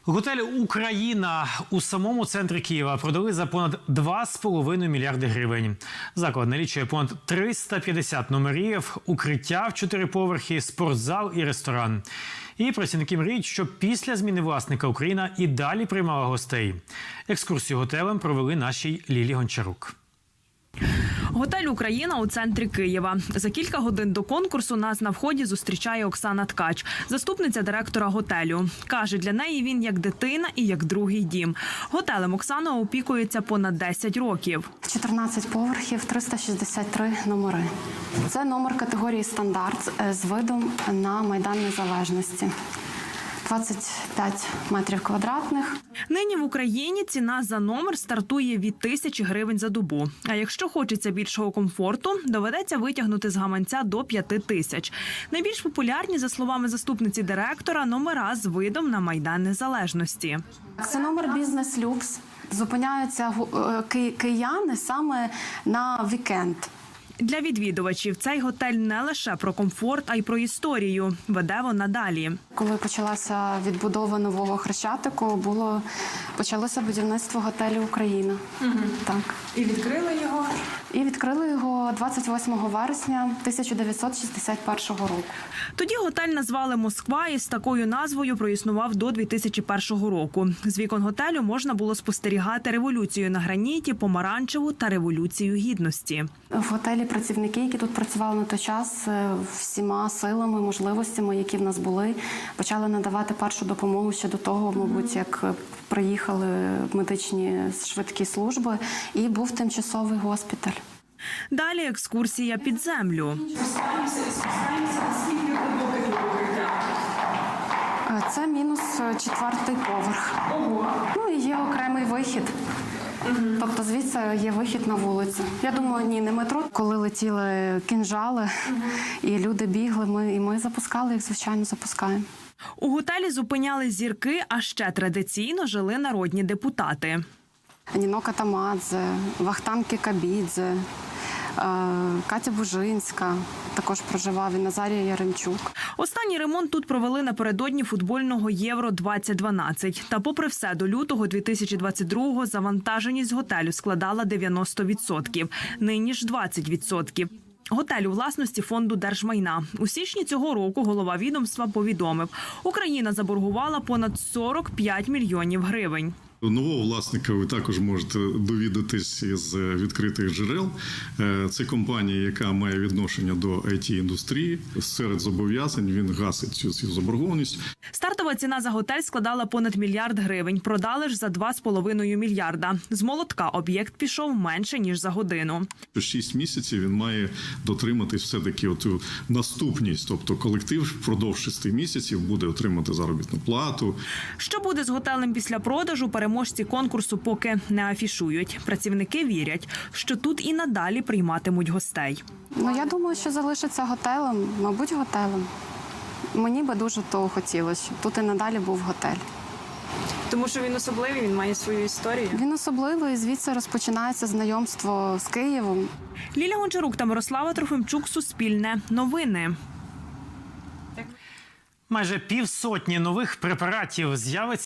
Готель «Україна» у самому центрі Києва продали за понад 2,5 мільярди гривень. Заклад налічує понад 350 номерів, укриття в 4 поверхи, спортзал і ресторан. І працівники мріють, щоб після зміни власника «Україна» і далі приймала гостей. Екскурсію готелем провели нашій Лілі Гончарук. Готель «Україна» у центрі Києва. За кілька годин до конкурсу нас на вході зустрічає Оксана Ткач, заступниця директора готелю. Каже, для неї він як дитина і як другий дім. Готелем Оксана опікується понад 10 років. 14 поверхів, 363 номери. Це номер категорії «Стандарт» з видом на Майдан Незалежності. 25 метрів квадратних. Нині в Україні ціна за номер стартує від 1000 гривень за добу. А якщо хочеться більшого комфорту, доведеться витягнути з гаманця до 5000. Найбільш популярні, за словами заступниці директора, номера з видом на Майдан Незалежності. Це номер «Бізнес-люкс». Зупиняються кияни саме на вікенд. Для відвідувачів цей готель не лише про комфорт, а й про історію. Веде вона далі. Коли почалася відбудова нового Хрещатику, почалося будівництво готелю «Україна». Так. І відкрили його? І відкрили його 28 вересня 1961 року. Тоді готель назвали «Москва» і з такою назвою проіснував до 2001 року. З вікон готелю можна було спостерігати революцію на граніті, помаранчеву та революцію гідності. В готелі працівники, які тут працювали на той час, всіма силами, можливостями, які в нас були, почали надавати першу допомогу ще до того, мабуть, як приїхали медичні швидкі служби, і був тимчасовий госпіталь. Далі екскурсія під землю. Це мінус 4-й поверх. Ну і є окремий вихід. Тобто звідси є вихід на вулицю. Я думаю, ні, не метро. Коли летіли кінжали і люди бігли, ми запускали їх, звичайно, запускаємо. У готелі зупиняли зірки, а ще традиційно жили народні депутати. Ніно Катамадзе, Вахтанг Кікабідзе, Катя Бужинська також проживав, і Назарія Яремчук. Останній ремонт тут провели напередодні футбольного Євро-2012. Та попри все, до лютого 2022-го завантаженість готелю складала 90%, нині ж 20%. Готель у власності фонду держмайна. У січні цього року голова відомства повідомив, Україна заборгувала понад 45 мільйонів гривень. Нового власника ви також можете довідатись із відкритих джерел. Це компанія, яка має відношення до IT-індустрії. Серед зобов'язань він гасить цю свою Стартова ціна за готель складала понад мільярд гривень. Продали ж за 2,5 мільярда. З молотка об'єкт пішов менше, ніж за годину. 6 місяців він має дотриматись все-таки оту наступність. Тобто колектив впродовж 6 місяців буде отримати заробітну плату. Що буде з готелем після продажу, переможці конкурсу поки не афішують. Працівники вірять, що тут і надалі прийматимуть гостей. Я думаю, що залишиться готелем, мабуть, готелем. Мені би дуже того хотілося, щоб тут і надалі був готель. Тому що він особливий, він має свою історію. Він особливий, і звідси розпочинається знайомство з Києвом. Ліля Гончарук та Мирослава Трофимчук, Суспільне, Новини. Майже 50 нових препаратів з'явиться